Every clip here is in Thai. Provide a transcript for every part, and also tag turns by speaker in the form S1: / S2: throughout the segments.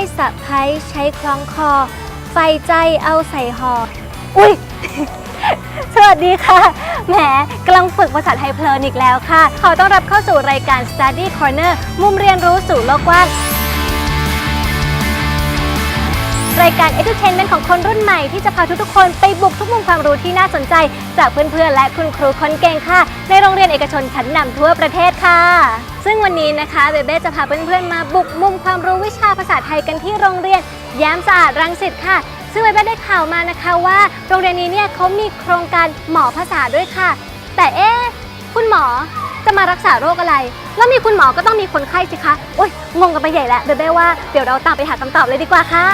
S1: สะพ้ายใช้คล้องคอไฟใจเอาใส่ห่ออุ้ย สวัสดีค่ะแหมกำลังฝึกภาษาไทยเพลินอีกแล้วค่ะขอต้อนรับเข้าสู่รายการ Study Corner มุมเรียนรู้สู่โลกกว้างรายการ Edutainment ของคนรุ่นใหม่ที่จะพาทุกๆคนไปบุกทุกมุมความรู้ที่น่าสนใจจากเพื่อนๆและคุณครูคนเก่งค่ะในโรงเรียนเอกชนชั้นนำทั่วประเทศค่ะซึ่งวันนี้นะคะเบเบ้จะพาเพื่อนๆมาบุกมุมความรู้วิชาภาษาไทยกันที่โรงเรียนแย้มสะอาดรังสิตค่ะซึ่งเบเบ้ได้ข่าวมานะคะว่าโรงเรียนนี้เนี่ยเขามีโครงการหมอภาษาด้วยค่ะแต่คุณหมอจะมารักษาโรคอะไรแล้วมีคุณหมอก็ต้องมีคนไข้สิคะโอ๊ยงงกันไปใหญ่แล้วเบเบ้ว่าเดี๋ยวเราตามไปหาคำตอบเลยดีกว่าค่ะ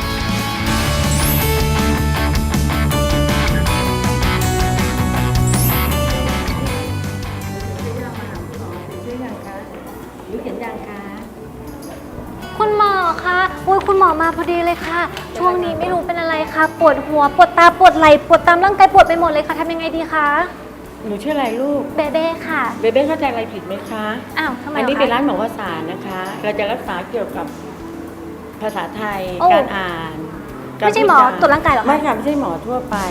S1: คุณหมอคะโอ้ยคุณหมอมาพอดีเลยค่ะช่วงนี้ไม่รู้เป็นอะไรค่ะปวดหัวปวดตาปวดไหล่ปวดตามร่างกายปวดไปหมดเลยค่ะทำยังไงดีคะ
S2: หนูชื่ออะไรลูก
S1: เบเบ้ค่ะ
S2: เบเบ้เข้าใจอะไรผิดไหมคะ
S1: อ้าวทำไม
S2: อันนี้เป็นร้านหมอภาษานะคะเราจะรักษาเกี่ยวกับภาษาไทยการอ่าน
S1: ไม่ใช่หมอตรวจร่างกายหรอคะ
S2: ไม่ค่ะไม่ใช่หมอทั่วไป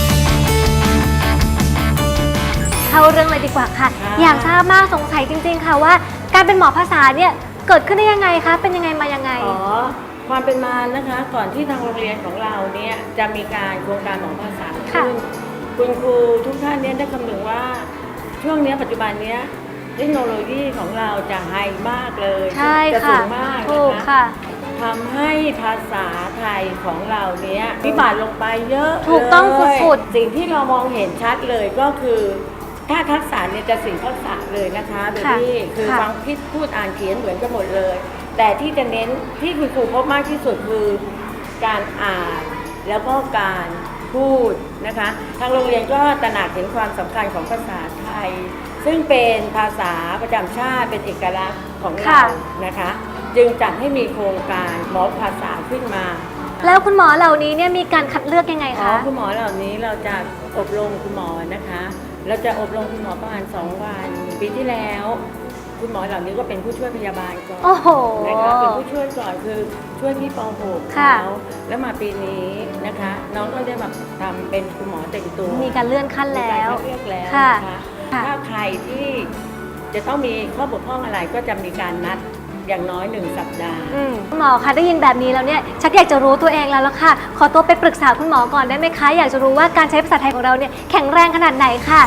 S1: เข้าเรื่องเลยดีกว่าค่ะอยากทราบมากสงสัยจริงๆค่ะว่าการเป็นหมอภาษาเนี่ยเกิดขึ้นได้ยังไงคะเป็นยังไงมายังไง
S2: ความเป็นมานะคะก่อนที่ทางโรงเรียนของเราเนี่ยจะมีการโครงการหมอภาษาขึ้นคุณครูทุกท่านเนี่ยได้คำนึงว่าช่วงนี้ปัจจุบันนี้เทคโนโลยีของเราจะไฮมากเลยจะสูงมากนะคะทำให้ภาษาไทยของเราเนี้ยวิบัติลงไปเยอะ
S1: ถูกต้องสุด
S2: ๆสิ่งที่เรามองเห็นชัดเลยก็คือถ้าทักษะเนี่ยจะสิ่งทักษะเลยนะคะโดยที่คือฟังคิดพูดอ่านเขียนเหมือนกันหมดเลยแต่ที่จะเน้นที่คุณครูพบมากที่สุดคือการอ่านแล้วก็การพูดนะคะทางโรงเรียนก็ตระหนักเห็นความสำคัญของภาษาไทยซึ่งเป็นภาษาประจำชาติเป็นเอกลักษณ์ของเรานะคะจึงจัดให้มีโครงการหมอภาษาขึ้นมา
S1: แล้วคุณหมอเหล่านี้เนี่ยมีการคัดเลือกยังไงคะ
S2: คุณหมอเหล่านี้เราจะอบรมคุณหมอนะคะเราจะอบรมคุณหมอประมาณ2 วันปีที่แล้วคุณหมอเหล่านี้ก็เป็นผู้ช่วยพยาบาลก่อนนะคะเป็นผู้ช่วยก่อนคือช่วยที่ป .6 เขาแล้วมาปีนี้นะคะน้องก็ได้มาทำเป็นคุณหมอเต็มตัว
S1: มีการเลื่อนขั้นแล้ว
S2: เลือกแล้วนะคะถ้าใครที่จะต้องมีข้อบกพร่องอะไรก็จะมีการนัดอย่างน้อย1 สัปดาห์
S1: คุณหมอคะได้ยินแบบนี้แล้วเนี่ยชักอยากจะรู้ตัวเองแล้วล่ะค่ะขอตัวไปปรึกษาคุณหมอก่อนได้ไหมคะอยากจะรู้ว่าการใช้ภาษาไทยของเราเนี่ยแข็งแรงขนาดไหนค่ะ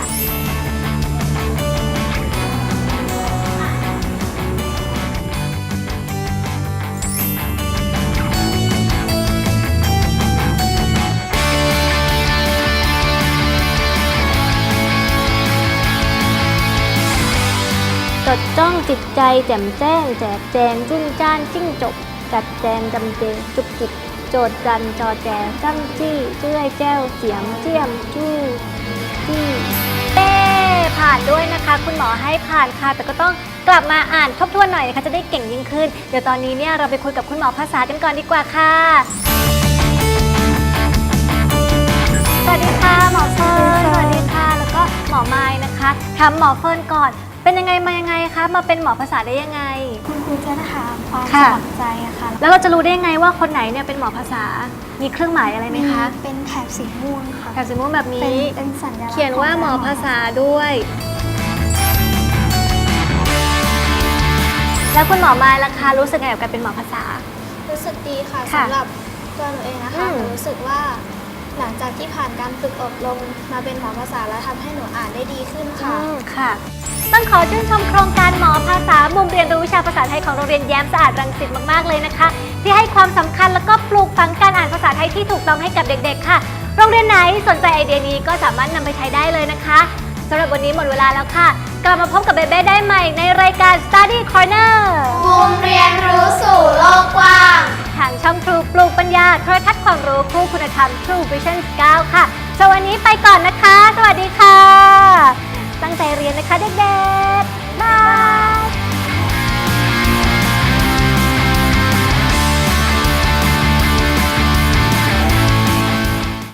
S1: จดจ้องจิตใจแจ่มแจ้งแจกแจงจุ้นจ้านจิ้งจกจัดแจงจำเจจุกจิกโจดจันจอแจจ้ำจี้เจ้ยแจ้วเสียมเจียมจู้จี้ผ่านด้วยนะคะคุณหมอให้ผ่านค่ะแต่ก็ต้องกลับมาอ่านทบทวนหน่อยนะคะจะได้เก่งยิ่งขึ้นเดี๋ยวตอนนี้เนี่ยเราไปคุยกับคุณหมอภาษากันก่อนดีกว่าค่ะสวัสดีค่ะหมอเฟิร์นสวัสดีค่ะแล้วก็หมอไม้นะคะถามหมอเฟิร์นก่อนเป็นยังไงมายังไงคะมาเป็นหมอภาษาได้ยังไง
S3: คุณครูจะถามความสมัครใจอะค่ะ
S1: แล้วเราจะรู้ได้ยังไงว่าคนไหนเนี่ยเป็นหมอภาษามีเครื่องหมายอะไรไหมคะ
S3: เป็นแถบสีม่วงค่ะ
S1: แถบสีม่วงแบบนี้
S3: เป็นสัญลักษณ์
S1: เขียนว่าหมอภาษาด้วยแล้วคุณหมอมาล่ะคะรู้สึกไงกับการเป็นหมอภาษา
S3: รู้สึกดีค่ะสำหรับตัวหนูเองนะคะหนูรู้สึกว่าหลังจากที่ผ่านการฝึกอบรมมาเป็นหมอภาษาแล้วทำให้หนูอ่านได้ดีขึ้น
S1: ค่ะต้องขอชื่นชมโครงการหมอภาษามุมเรียนรู้วิชาภาษาไทยของโรงเรียนแย้มสะอาดรังสิตมากๆเลยนะคะที่ให้ความสำคัญแล้วก็ปลูกฝังการอ่านภาษาไทยที่ถูกต้องให้กับเด็กๆค่ะโรงเรียนไหนสนใจไอเดียนี้ก็สามารถนำไปใช้ได้เลยนะคะสำหรับวันนี้หมดเวลาแล้วค่ะกลับมาพบกับเบเบ้ได้ใหม่ในรายการ Study Corner
S3: มุมเรียนรู้สู่โลกกว้าง
S1: ทางช่องทรูปลูกปัญญาโทรทัศน์ความรู้คู่คุณธรรม True Vision 9 ค่ะสวัสดีไปก่อนนะคะสวัสดีค่ะตั้งใจเรียนนะคะเด็กๆบาย